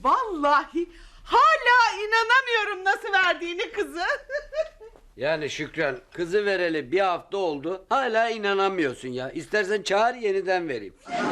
vallahi hala inanamıyorum nasıl verdiğini kızı. Yani Şükran, kızı vereli bir hafta oldu. Hala inanamıyorsun ya. İstersen çağır, yeniden vereyim.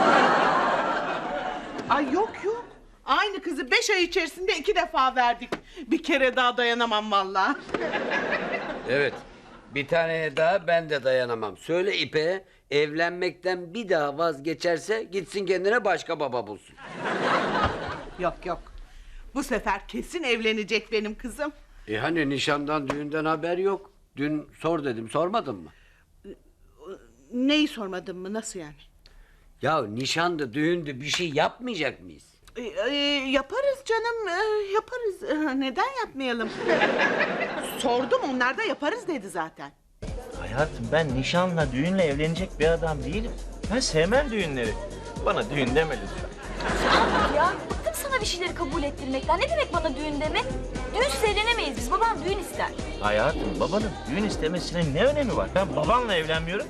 Ay yok. Aynı kızı 5 ay içerisinde 2 defa verdik. Bir kere daha dayanamam vallahi. Evet. Bir tane daha ben de dayanamam. Söyle İpek'e, evlenmekten bir daha vazgeçerse gitsin kendine başka baba bulsun. Yok. Bu sefer kesin evlenecek benim kızım. Hani nişandan, düğünden haber yok. Dün sor dedim, sormadın mı? Neyi sormadın mı, nasıl yani? Ya nişandı, düğündü, bir şey yapmayacak mıyız? Yaparız canım, yaparız. Neden yapmayalım? Sordum, onlar da yaparız dedi zaten. Hayatım, ben nişanla, düğünle evlenecek bir adam değilim. Ben sevmem düğünleri. Bana düğün deme lütfen. Ya bıktım sana bir şeyleri kabul ettirmekten. Ne demek bana düğün demek? Düğünsüz evlenemeyiz biz. Babam düğün ister. Hayatım, babanın düğün istemesinin ne önemi var? Ben babanla evlenmiyorum.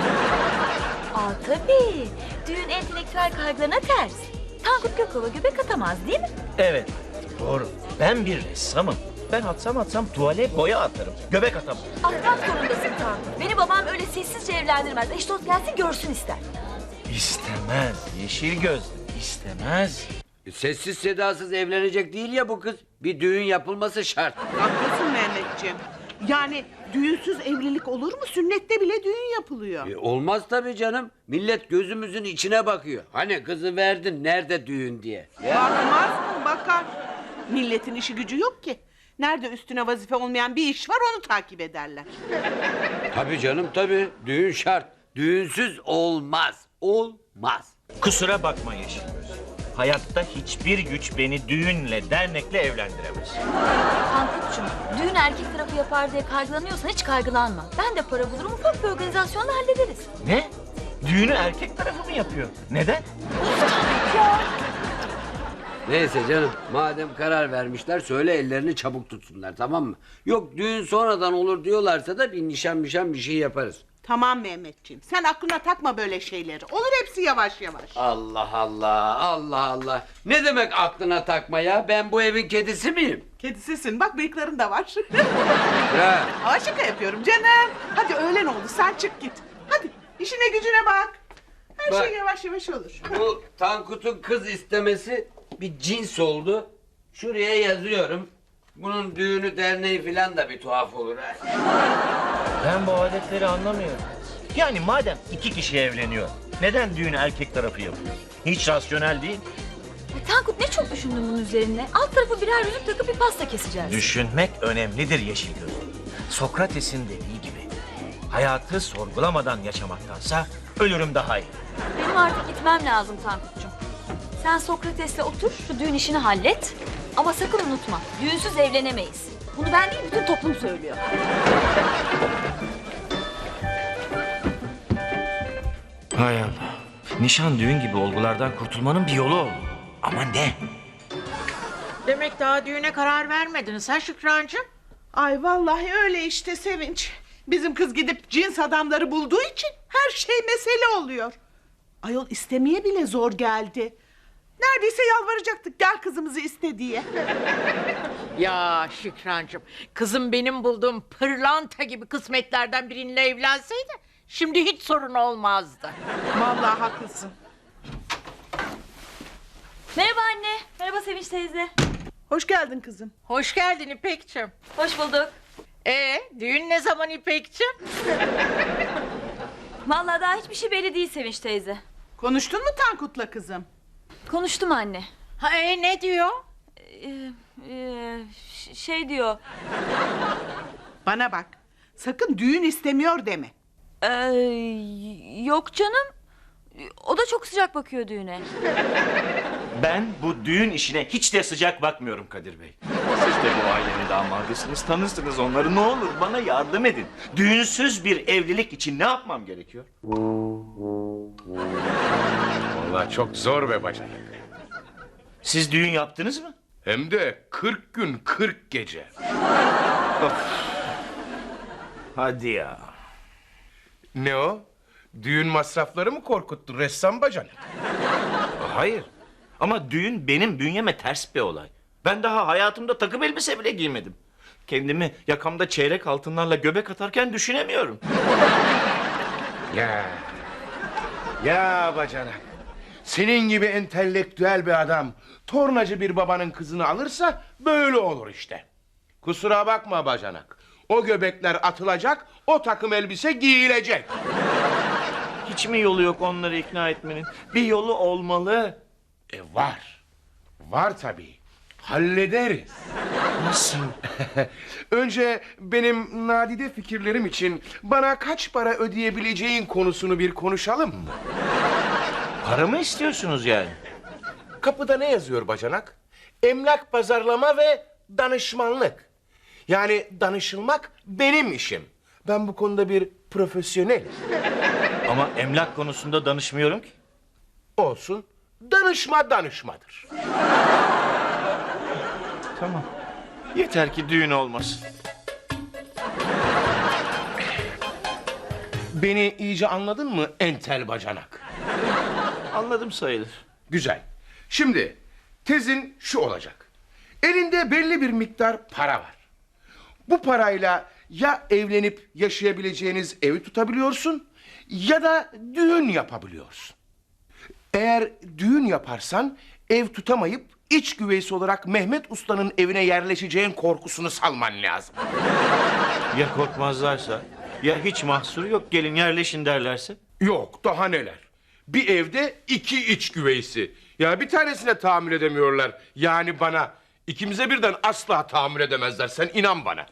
Tabii. Düğün entelektüel kaygılarına ters. Tankut Gökova göbek atamaz değil mi? Evet, doğru. Ben bir ressamım. Ben atsam tuvale boya atarım. Göbek atamam. Atmak zorundasın Tankut. Beni babam öyle sessizce evlendirmez. Eş dost gelsin görsün ister. İstemez. Yeşil gözlü. İstemez. Sessiz sedasız evlenecek değil ya bu kız. Bir düğün yapılması şart. Haklısın Mehmetciğim. Yani düğünsüz evlilik olur mu? Sünnette bile düğün yapılıyor. Olmaz tabii canım. Millet gözümüzün içine bakıyor. Hani kızı verdin, nerede düğün diye. Bakmaz mı? Bakar. Milletin işi gücü yok ki. Nerede üstüne vazife olmayan bir iş var, onu takip ederler. Tabii canım tabii. Düğün şart. Düğünsüz olmaz. Olmaz. Kusura bakma Yeşil göz. Hayatta hiçbir güç beni düğünle, dernekle evlendiremez. Tankut'cum, düğün erkek tarafı yapar diye kaygılanıyorsan hiç kaygılanma. Ben de para bulurum, ufak bir organizasyonla hallederiz. Ne? Düğünü erkek tarafı mı yapıyor? Neden? Neyse canım, madem karar vermişler söyle ellerini çabuk tutsunlar, tamam mı? Yok düğün sonradan olur diyorlarsa da bir nişan bir şey yaparız. Tamam Mehmetciğim, sen aklına takma böyle şeyleri. Olur hepsi yavaş yavaş. Allah Allah. Ne demek aklına takma ya? Ben bu evin kedisi miyim? Kedisisin, bak bıyıkların da var. Ya. Aa, şaka yapıyorum canım. Hadi öğlen oldu, sen çık git. Hadi işine gücüne bak. Her Bak. şey yavaş yavaş olur. Bu Tankut'un kız istemesi bir cins oldu. Şuraya yazıyorum. Bunun düğünü derneği filan da bir tuhaf olur ha. Ben bu adetleri anlamıyorum. Yani madem iki kişi evleniyor, neden düğünü erkek tarafı yapıyor? Hiç rasyonel değil. Tankut ne çok düşündün bunun üzerine. Alt tarafı birer yüzük takıp bir pasta keseceğiz. Düşünmek önemlidir Yeşil göz. Sokrates'in dediği gibi, hayatı sorgulamadan yaşamaktansa ölürüm daha iyi. Benim artık gitmem lazım Tankut'cum. Sen Sokrates'le otur, şu düğün işini hallet. Ama sakın unutma, düğünsüz evlenemeyiz. Bunu ben değil, bütün toplum söylüyor. Hay Allah. Nişan düğün gibi olgulardan kurtulmanın bir yolu oldu. Ama ne? Demek daha düğüne karar vermediniz ha Şükrancığım? Ay vallahi öyle işte Sevinç. Bizim kız gidip cins adamları bulduğu için her şey mesele oluyor. Ayol istemeye bile zor geldi. Neredeyse yalvaracaktık, gel kızımızı iste diye. Ya Şükrancığım, kızım benim bulduğum pırlanta gibi kısmetlerden biriyle evlenseydi şimdi hiç sorun olmazdı. Vallahi haklısın. Merhaba anne, merhaba Sevinç teyze. Hoş geldin kızım. Hoş geldin İpekçim. Hoş bulduk. Düğün ne zaman İpekçim? Vallahi daha hiçbir şey belli değil Sevinç teyze. Konuştun mu Tankut'la kızım? Konuştum anne. Ne diyor? Şey diyor. Bana bak, sakın düğün istemiyor deme. Yok canım. O da çok sıcak bakıyor düğüne. Ben bu düğün işine hiç de sıcak bakmıyorum Kadir Bey. Siz de bu ailenin damadısınız, tanırsınız onları. Ne olur bana yardım edin. Düğünsüz bir evlilik için ne yapmam gerekiyor? Vallahi çok zor be bacanak. Siz düğün yaptınız mı? Hem de 40 gün 40 gece. Hadi ya. Ne o? Düğün masrafları mı korkuttu ressam bacanak? Hayır. Ama düğün benim bünyeme ters bir olay. Ben daha hayatımda takım elbise bile giymedim. Kendimi yakamda çeyrek altınlarla göbek atarken düşünemiyorum. Ya. Ya bacanak. Senin gibi entelektüel bir adam tornacı bir babanın kızını alırsa böyle olur işte. Kusura bakma bacanak. O göbekler atılacak, o takım elbise giyilecek. Hiç mi yolu yok onları ikna etmenin? Bir yolu olmalı. Var. Var tabii. Hallederiz. Nasıl? Önce benim nadide fikirlerim için bana kaç para ödeyebileceğin konusunu bir konuşalım mı? Para mı istiyorsunuz yani? Kapıda ne yazıyor bacanak? Emlak pazarlama ve danışmanlık. Yani danışılmak benim işim. Ben bu konuda bir profesyonelim. Ama emlak konusunda danışmıyorum ki. Olsun. Danışma danışmadır. Tamam. Yeter ki düğün olmasın. Beni iyice anladın mı entel bacanak? Anladım sayılır. Güzel. Şimdi tezin şu olacak. Elinde belli bir miktar para var. Bu parayla ya evlenip yaşayabileceğiniz evi tutabiliyorsun ya da düğün yapabiliyorsun. Eğer düğün yaparsan ev tutamayıp iç güveysi olarak Mehmet Usta'nın evine yerleşeceğin korkusunu salman lazım. Ya korkmazlarsa? Ya hiç mahsuru yok gelin yerleşin derlerse? Yok daha neler. Bir evde 2 iç güveysi. Ya bir tanesine tahammül edemiyorlar. Yani bana. İkimize birden asla tahammül edemezler. Sen inan bana.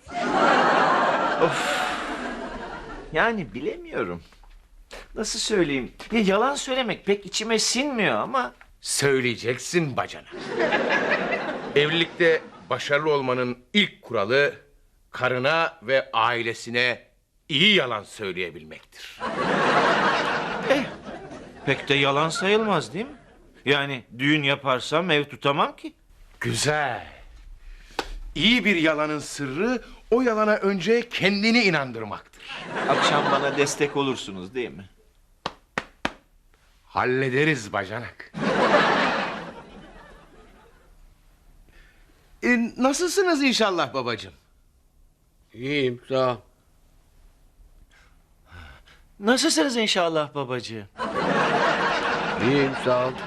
Yani bilemiyorum. Nasıl söyleyeyim? Ya yalan söylemek pek içime sinmiyor ama... Söyleyeceksin bacana. Evlilikte başarılı olmanın ilk kuralı karına ve ailesine iyi yalan söyleyebilmektir. Pek de yalan sayılmaz değil mi? Yani düğün yaparsam ev tutamam ki. Güzel. İyi bir yalanın sırrı o yalana önce kendini inandırmaktır. Akşam bana destek olursunuz değil mi? Hallederiz bacanak. Nasılsınız inşallah babacığım? İyiyim sağ ol. Nasılsınız inşallah babacığım? İyiyim sağ ol.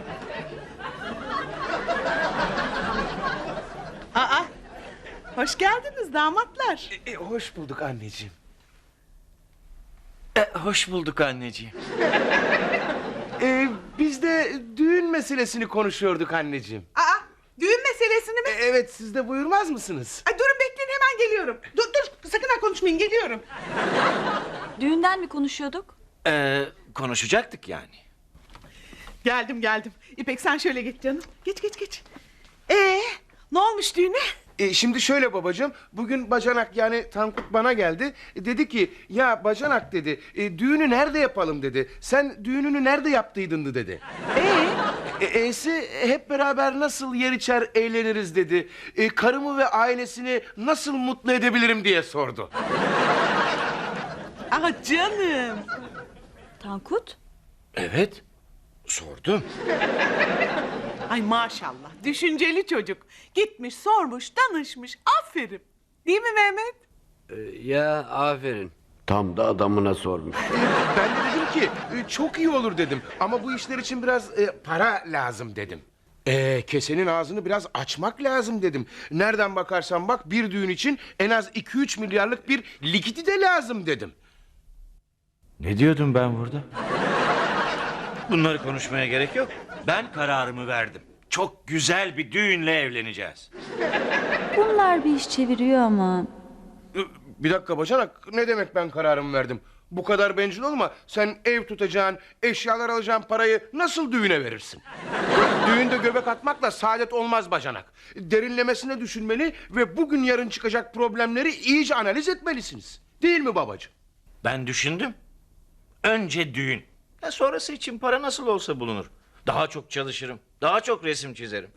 Aa, hoş geldiniz damatlar. Hoş bulduk anneciğim. Hoş bulduk anneciğim. Biz de düğün meselesini konuşuyorduk anneciğim. Aa, düğün meselesini mi? Evet, siz de buyurmaz mısınız? Ay, durun bekleyin hemen geliyorum. Dur sakın ha konuşmayın geliyorum. Düğünden mi konuşuyorduk? Konuşacaktık yani. Geldim. İpek sen şöyle geç canım. Geç. Ne olmuş düğüne? Şimdi şöyle babacığım, bugün bacanak yani Tankut bana geldi. Dedi ki ya bacanak dedi, düğünü nerede yapalım dedi. Sen düğününü nerede yaptıydın dedi. E'si hep beraber nasıl yer içer eğleniriz dedi. Karımı ve ailesini nasıl mutlu edebilirim diye sordu. Ah canım. Tankut? Evet, sordum. Ay maşallah düşünceli çocuk. Gitmiş sormuş danışmış aferin. Değil mi Mehmet? Ya aferin. Tam da adamına sormuş. Ben de dedim ki çok iyi olur dedim. Ama bu işler için biraz para lazım dedim. Kesenin ağzını biraz açmak lazım dedim. Nereden bakarsan bak bir düğün için en az 2-3 milyarlık bir likidi de lazım dedim. Ne diyordum ben burada? Bunları konuşmaya gerek yok. Ben kararımı verdim. Çok güzel bir düğünle evleneceğiz. Bunlar bir iş çeviriyor ama. Bir dakika bacanak, ne demek ben kararımı verdim? Bu kadar bencil olma. Sen ev tutacaksın, eşyalar alacaksın, parayı nasıl düğüne verirsin? Düğünde göbek atmakla saadet olmaz bacanak. Derinlemesine düşünmeli ve bugün yarın çıkacak problemleri iyice analiz etmelisiniz. Değil mi babacığım? Ben düşündüm. Önce düğün. Ya sonrası için para nasıl olsa bulunur. Daha çok çalışırım. Daha çok resim çizerim.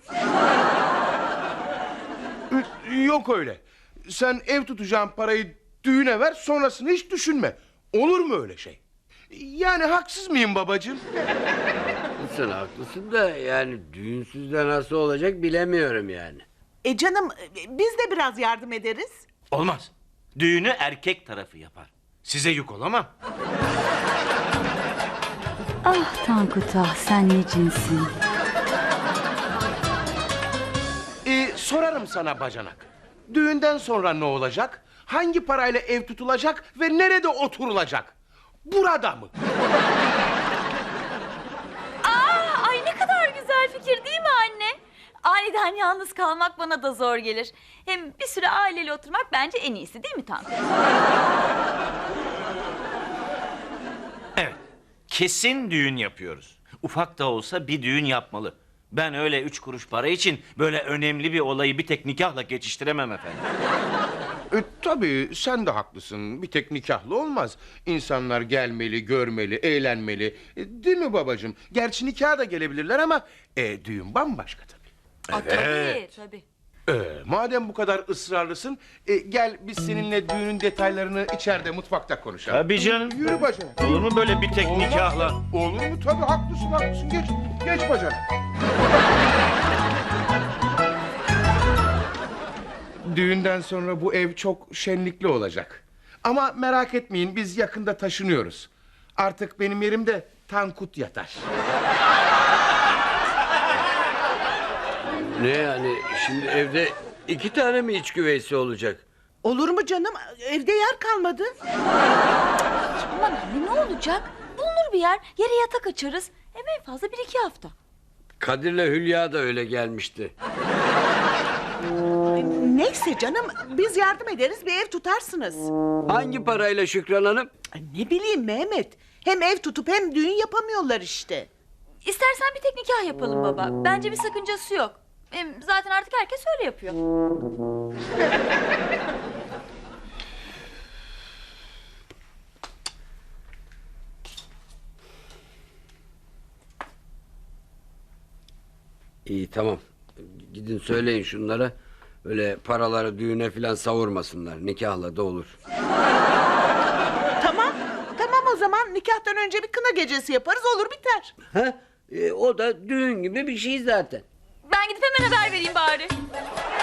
Yok öyle. Sen ev tutacağın parayı düğüne ver, sonrasını hiç düşünme. Olur mu öyle şey? Yani haksız mıyım babacığım? haklısın da yani düğünsüz de nasıl olacak bilemiyorum yani. Canım biz de biraz yardım ederiz. Olmaz. Düğünü erkek tarafı yapar. Size yük olamam. Ah Tankut ah, sen ne cinsin. Sorarım sana bacanak. Düğünden sonra ne olacak? Hangi parayla ev tutulacak ve nerede oturulacak? Burada mı? Ay ne kadar güzel fikir değil mi anne? Aniden yalnız kalmak bana da zor gelir. Hem bir süre aileyle oturmak bence en iyisi değil mi Tankut? Evet. Kesin düğün yapıyoruz. Ufak da olsa bir düğün yapmalı. Ben öyle 3 kuruş para için böyle önemli bir olayı bir tek nikahla geçiştiremem efendim. Tabii sen de haklısın. Bir tek nikahlı olmaz. İnsanlar gelmeli, görmeli, eğlenmeli. Değil mi babacığım? Gerçi nikaha da gelebilirler ama düğün bambaşka tabii. Tabii. Madem bu kadar ısrarlısın, gel biz seninle düğünün detaylarını içeride mutfakta konuşalım. Tabii canım. Yürü bacanak. Olur mu böyle bir tek Olmaz. nikahla? Olur mu? Tabii haklısın. Geç bacanak. Düğünden sonra bu ev çok şenlikli olacak. Ama merak etmeyin, biz yakında taşınıyoruz. Artık benim yerimde Tankut yatar. Ne yani şimdi evde 2 tane mi iç güveysi olacak? Olur mu canım? Evde yer kalmadı. Aman anne ne olacak? Bulunur bir yer, yere yatak açarız. Hem en fazla 1-2 hafta. Kadir'le Hülya da öyle gelmişti. Neyse canım biz yardım ederiz, bir ev tutarsınız. Hangi parayla Şükran Hanım? Ne bileyim Mehmet. Hem ev tutup hem düğün yapamıyorlar işte. İstersen bir tek nikah yapalım baba. Bence bir sakıncası yok. Hem zaten artık herkes öyle yapıyor. İyi tamam. Gidin söyleyin şunlara. Öyle paraları düğüne falan savurmasınlar. Nikahla da olur. Tamam o zaman nikahtan önce bir kına gecesi yaparız, olur biter. O da düğün gibi bir şey zaten. Ben gidip hemen haber vereyim bari.